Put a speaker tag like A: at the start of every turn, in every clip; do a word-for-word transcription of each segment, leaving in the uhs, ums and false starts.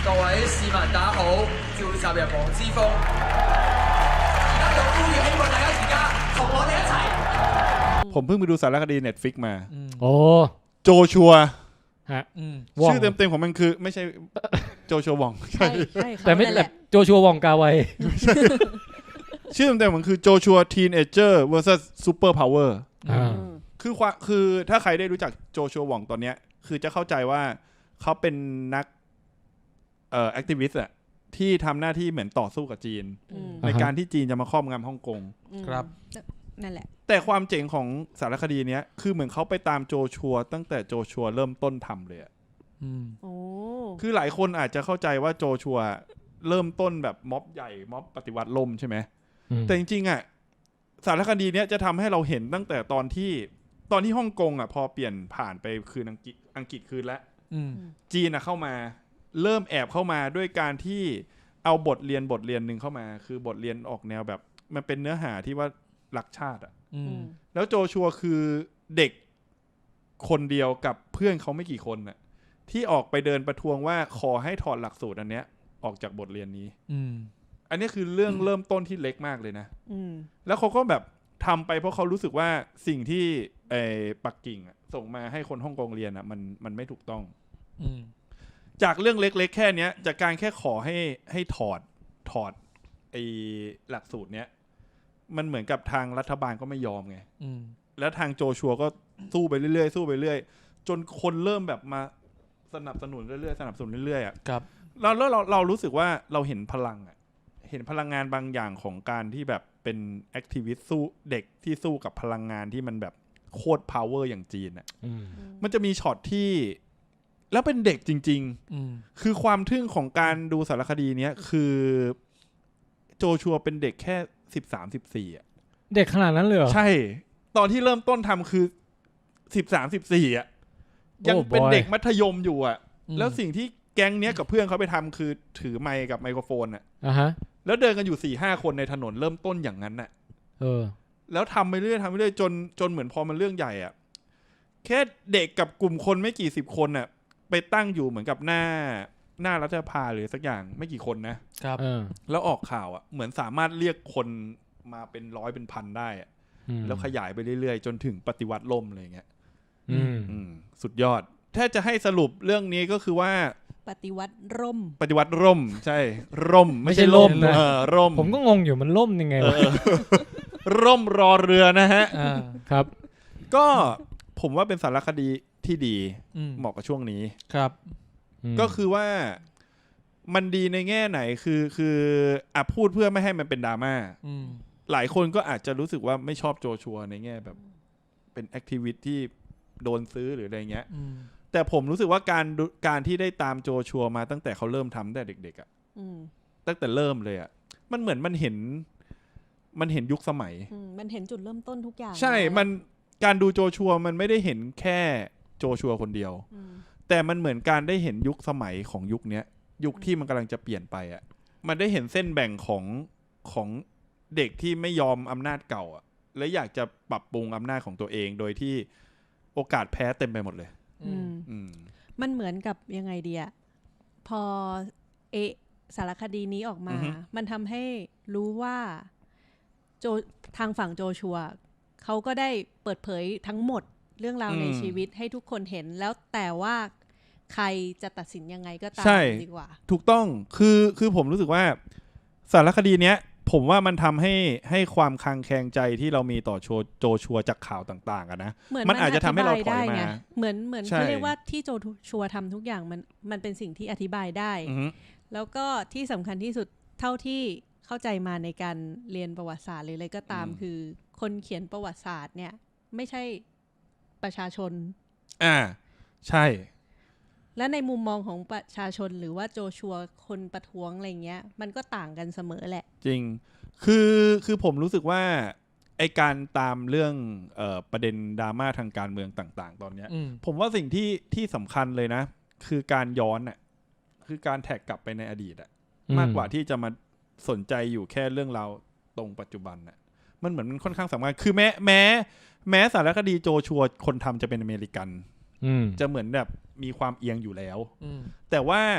A: 各位市民大家好，召集人黃之鋒，而家就呼籲希望大家而家同我哋一齊。
B: ผมเพิ่งไปดูสารคดี Netflix มา
C: โอ้
B: โจชัว
C: ฮะ
B: ชื่อเต็มๆของมันคือไม่ใช่โจชัววอง
D: ใช่ใช่
C: แต่ไม่แต่โจชัววองกาไว
B: ชื่อเต็มๆของมันคือ Joshua Teenager versus Super Power
C: อ่า
B: คือความคือถ้าใครได้รู้จักโจชัววองตอนเนี้ยคือจะเข้าใจว่าเขาเป็นนักเอ่อแอคทิวิสต์อะที่ทำหน้าที่เหมือนต่อสู้กับจีน
D: อืม
B: ในการที่จีนจะมาครอบงำฮ่องกง
E: ครับ
D: นั่นแหละ
B: แต่ความเจ๋งของสารคดีเนี้ยคือเหมือนเขาไปตามโจชัวตั้งแต่โจชัวเริ่มต้นทำเลยอะ
E: อืม
D: โอ้
B: คือหลายคนอาจจะเข้าใจว่าโจชัวเริ่มต้นแบบม็อบใหญ่ม็อบปฏิวัติล่มใช่ไหมแต่จริงๆอ่ะสารคดีเนี้ยจะทำให้เราเห็นตั้งแต่ตอนที่ตอนที่ฮ่องกงอ่ะพอเปลี่ยนผ่านไปคืนอังกฤษอังกฤษคืนแล้ว
E: อืม
B: จีนอ่ะเข้ามาเริ่มแอบเข้ามาด้วยการที่เอาบทเรียนบทเรียนหนึ่งเข้ามา คือบทเรียนออกแนวแบบมันเป็นเนื้อหาที่ว่ารักชาติอ่ะ
E: อืม
B: แล้วโจชัวคือเด็กคนเดียวกับเพื่อนเขาไม่กี่คนน่ะที่ออกไปเดินประท้วงว่าขอให้ถอดหลักสูตรอันเนี้ยออกจากบทเรียนนี้
E: อืม
B: อันนี้คือเรื่องเริ่มต้นที่เล็กมากเลยนะ
D: อืม
B: แล้วเขาก็แบบทำไปเพราะเขารู้สึกว่าสิ่งที่ไอ้ปักกิ่งอะส่งมาให้คนฮ่องกงเรียนอ่ะมันมันไม่ถูกต้อง
E: อืม
B: จากเรื่องเล็กๆแค่เนี้ยจากการแค่ขอให้ให้ถอดถอดไอ้หลักสูตรเนี้ยมันเหมือนกับทางรัฐบาลก็ไม่ยอมไง
E: อืม
B: แล้วทางโจชัวก็สู้ไปเรื่อยๆสู้ไปเรื่อยจนคนเริ่มแบบมาสนับสนุนเรื่อยๆสนับสนุนเรื่อยๆอ่ะ
E: ครับ
B: แล้วแล้วเราเรารู้สึกว่าเราเห็นพลังอ่ะเห็นพลังงานบางอย่างของการที่แบบเป็นแอคทิวิสต์สู้เด็กที่สู้กับพลังงานที่มันแบบโคตรพาวเวอร์อย่างจีนอ่ะมันจะมีช็อตที่แล้วเป็นเด็กจริง
E: อืม
B: ๆคือความทึ่งของการดูสารคดีเนี้ยคือโจชัวเป็นเด็กแค่สิบสามสิบสี่อ่ะ
C: เด็กขนาดนั้นเลยเหรอ
B: ใช่ ตอนที่เริ่มต้นทำคือสิบสามสิบสี่อ่ะยังเป็นเด็กมัธยมอยู่อ่ะแล้วสิ่งที่แก๊งเนี้ยกับเพื่อนเขาไปทำคือถือไมค์กับไมโครโฟนอ่ะ
C: อ่าฮะ
B: แล้วเดินกันอยู่สี่ห้าคนในถนนเริ่มต้นอย่างนั้นน่ะ
C: เออ
B: แล้วทำไปเรื่อยทำไปเรื่อยจนจนเหมือนพอมันเรื่องใหญ่อ่ะแค่เด็กกับกลุ่มคนไม่กี่สิบคนน่ะไปตั้งอยู่เหมือนกับหน้าหน้ารัฐสภาหรือสักอย่างไม่กี่คนนะครับ
C: เออ
B: แล้วออกข่าวอ่ะเหมือนสามารถเรียกคนมาเป็นร้อยเป็นพันได้อ่ะ
C: อืม
B: แล้วขยายไปเรื่อยๆจนถึงปฏิวัติล่มอะไรอย่างเงี้ย
C: อืม
B: อืมสุดยอด ถ้าจะให้สรุปเรื่องนี้ก็คือว่า
D: ปฏิวัติร่ม
B: ปฏิวัติร่ม ใช่ ร่ม ไม่ใช่ล่มนะเออร่ม
C: ผมก็งงอยู่มันล่มยังไง
B: เอ
C: วะ
B: อ ร่มรอเรือนะฮะ
E: อ่า
C: ครับ
B: ก็ผมว่าเป็นสารคดีที่ดี
E: อืม
B: เหมาะกับช่วงนี้
E: ครับ
B: ก็คือว่ามันดีในแง่ไหนคือคืออ่ะพูดเพื่อไม่ให้มันเป็นดราม่า
E: อืม
B: หลายคนก็อาจจะรู้สึกว่าไม่ชอบโจชัวในแง่แบบ เป็นแอคทิวิตที่โดนซื้อหรืออะไรเงี้ย
E: อืม
B: แต่ผมรู้สึกว่าการดูการที่ได้ตามโจชัวมาตั้งแต่เขาเริ่มทำตั้งแต่เด็กๆอะ
D: อืม
B: ตั้งแต่เริ่มเลยอะมันเหมือนมันเห็นมันเห็นยุคสมัย
D: อืมมันเห็นจุดเริ่มต้นทุกอย่าง
B: ใช่
D: แล้ว
B: มันการดูโจชัวมันไม่ได้เห็นแค่โจชัวคนเดียว
D: อืม
B: แต่มันเหมือนการได้เห็นยุคสมัยของยุคเนี้ย ยุคที่มันกำลังจะเปลี่ยนไปอะมันได้เห็นเส้นแบ่งของของเด็กที่ไม่ยอมอำนาจเก่าอะและอยากจะปรับปรุงอำนาจของตัวเอง โดยที่โอกาสแพ้เต็มไปหมดเลย
D: อืม
B: อืม
D: มันเหมือนกับยังไงดีอะพอเอะสารคดีนี้ออกมา
B: อือฮึ
D: มันทำให้รู้ว่าโจทางฝั่งโจชัวเขาก็ได้เปิดเผยทั้งหมดเรื่องราวในชีวิตให้ทุกคนเห็นแล้วแต่ว่าใครจะตัดสินยังไงก็ตาม
B: ใช่
D: ดีกว่า
B: ถูกต้อง คือ คือผมรู้สึกว่าสารคดีเนี้ย ผมว่ามันทำให้ให้ความคลางแคลงใจที่เรามีต่อโชโจชัวจากข่าวต่างๆอะนะ
D: เหมือน
B: มันอาจจะทำให้เราถอยมา
D: ไงเหมือนเหมือน
B: ใช่
D: เขาเรียกว่าที่โจชัวทำทุกอย่างมันมันเป็นสิ่งที่อธิบายได้
B: อือฮึ
D: แล้วก็ที่สำคัญที่สุดเท่าที่เข้าใจมาในการเรียนประวัติศาสตร์หรืออะไรก็ตาม คือคนเขียนประวัติศาสตร์เนี่ยไม่ใช่ประชาชน
B: อ่า ใช่
D: และในมุมมองของประชาชนหรือว่าโจชัวคนประท้วงอะไรเงี้ยมันก็ต่างกันเสมอแหละ
B: จริง คือ คือผมรู้สึกว่าไอการตามเรื่องเอ่อประเด็นดราม่าทางการเมืองต่างๆ ตอนเนี้ย
E: อืม
B: ผมว่าสิ่งที่ที่สำคัญเลยนะ คือการย้อนอ่ะ คือการแท็กกลับไปในอดีตอ่ะ
C: อืม
B: มากกว่าที่จะมาสนใจอยู่แค่เรื่องราวตรงปัจจุบันน่ะ มันเหมือนมันค่อนข้างสำคัญ คือแม้แม้แม้สารคดีโจชัวคนทำจะเป็นอเมริกัน
C: อืม
B: จะเหมือนแบบมีความเอียงอยู่แล้ว
E: อืม
B: แต่ว่า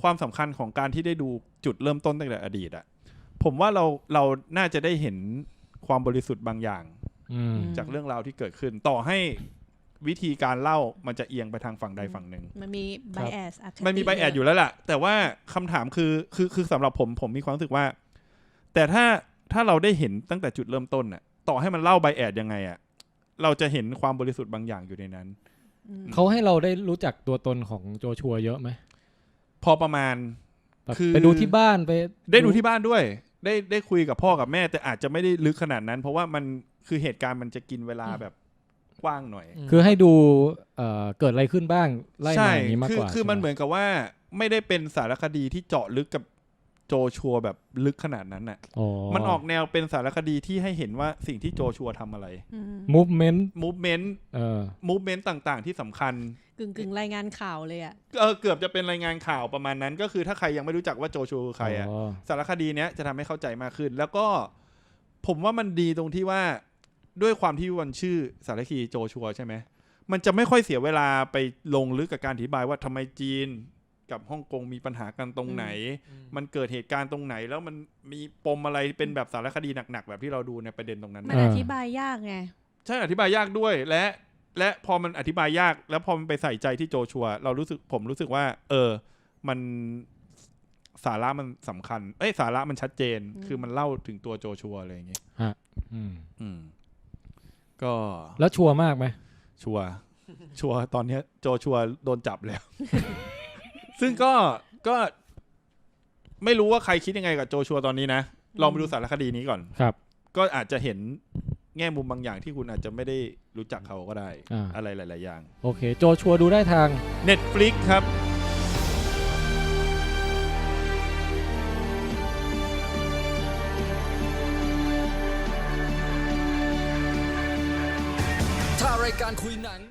B: ความสำคัญของการที่ได้ดูจุดเริ่มต้นตั้งแต่อดีตอะผมว่าเราเราน่าจะได้เห็นความบริสุทธิ์บางอย่าง
C: อืม
B: จากเรื่องราวที่เกิดขึ้น ต่อให้วิธีการเล่ามันจะเอียงไปทางฝั่งใดฝั่งหนึ่ง
D: มันมี bias อคติ
B: มันมีไบแอดอยู่แล้วแหละแต่ว่าคำถามคือคือคือสำหรับผมผมมีความรู้สึกว่า แต่ถ้าถ้าเราได้เห็นตั้งแต่จุดเริ่มต้นน่ะต่อให้มันเล่าไบแอดยังไงอ่ะเราจะเห็นความบริสุทธิ์บางอย่างอยู่ในนั้น
D: อืม
C: เขาให้เราได้รู้จักตัวตนของโจชัวเยอะไหม
B: พอประมาณ
C: แบบ
B: คือ
C: ไปดูที่บ้านไป
B: ได้ดูที่บ้านด้วย ได้ได้คุยกับพ่อกับแม่ แต่อาจจะไม่ได้ลึกขนาดนั้น เพราะว่ามันคือเหตุการณ์มันจะกินเวลาแบบกว้างหน่อย
C: คือให้ดูเอ่อเกิดอะไรขึ้นบ้างไล่
B: ใช่
C: มาอย่างนี้มาก
B: คื
C: กว่า
B: คือ
C: ใช่ไห
B: มันเหมือนกับว่าไม่ได้เป็นสารคดีที่เจาะลึกกับโจชัวแบบลึกขนาดนั้นน่ะ
C: อ๋อ
B: มันออกแนวเป็นสารคดีที่ให้เห็นว่าสิ่งที่โจชัวทำอะไร
D: อืม
C: movement
B: movement
C: เออ
B: movement ต่างๆ ที่สำคัญ
D: กึ่งกึ่งรายงานข่าวเลยอ่ะ
B: เออเกือบจะเป็นรายงานข่าวประมาณนั้น ก็คือถ้าใครยังไม่รู้จักว่าโจชัวคือใครอ่ะ
C: อ๋อ
B: สารคดีเนี้ยจะทำให้เข้าใจมากขึ้น แล้วก็ผมว่ามันดีตรงที่ว่าด้วยความที่มันชื่อสารคดีโจชัวใช่ไหมมันจะไม่ค่อยเสียเวลาไปลงลึกกับการอธิบายว่าทำไมจีนกับฮ่องกงมีปัญหากันตรงไหน มันเกิดเหตุการณ์ตรงไหน แล้วมันมีปมอะไรเป็นแบบสารคดีหนักๆแบบที่เราดูในประเด็นตรงนั้น
D: มัน
B: นะ
D: อธิบายยากไง
B: ใช่อธิบายยากด้วยและ และพอมันอธิบายยากแล้วพอมันไปใส่ใจที่โจชัวเรารู้สึกผมรู้สึกว่า เออมันสาระมันสำคัญเอ้ยสาระมันชัดเจน
D: อืม
B: คือมันเล่าถึงตัวโจชัวอะไรอย่างเงี้ย
C: อืม
B: อืมก็
C: แล้วชัวร์มากไหม
B: ชัวร์ชัวร์ตอนเนี้ยโจชัวโดนจับแล้ว ซึ่งก็ก็ไม่รู้ว่าใครคิดยังไงกับโจชัวตอนนี้นะลองไปดูสารคดีนี้ก่อน
C: ครับ
B: ก็อาจจะเห็นแง่มุมบางอย่างที่คุณอาจจะไม่ได้รู้จักเขาก็ได้
C: อ่า
B: อะไรหลาย ๆ อย่าง
C: โอเค โจชัวดูได้ทาง
B: Netflix ครับ
E: ถ้ารายการคุยหนัง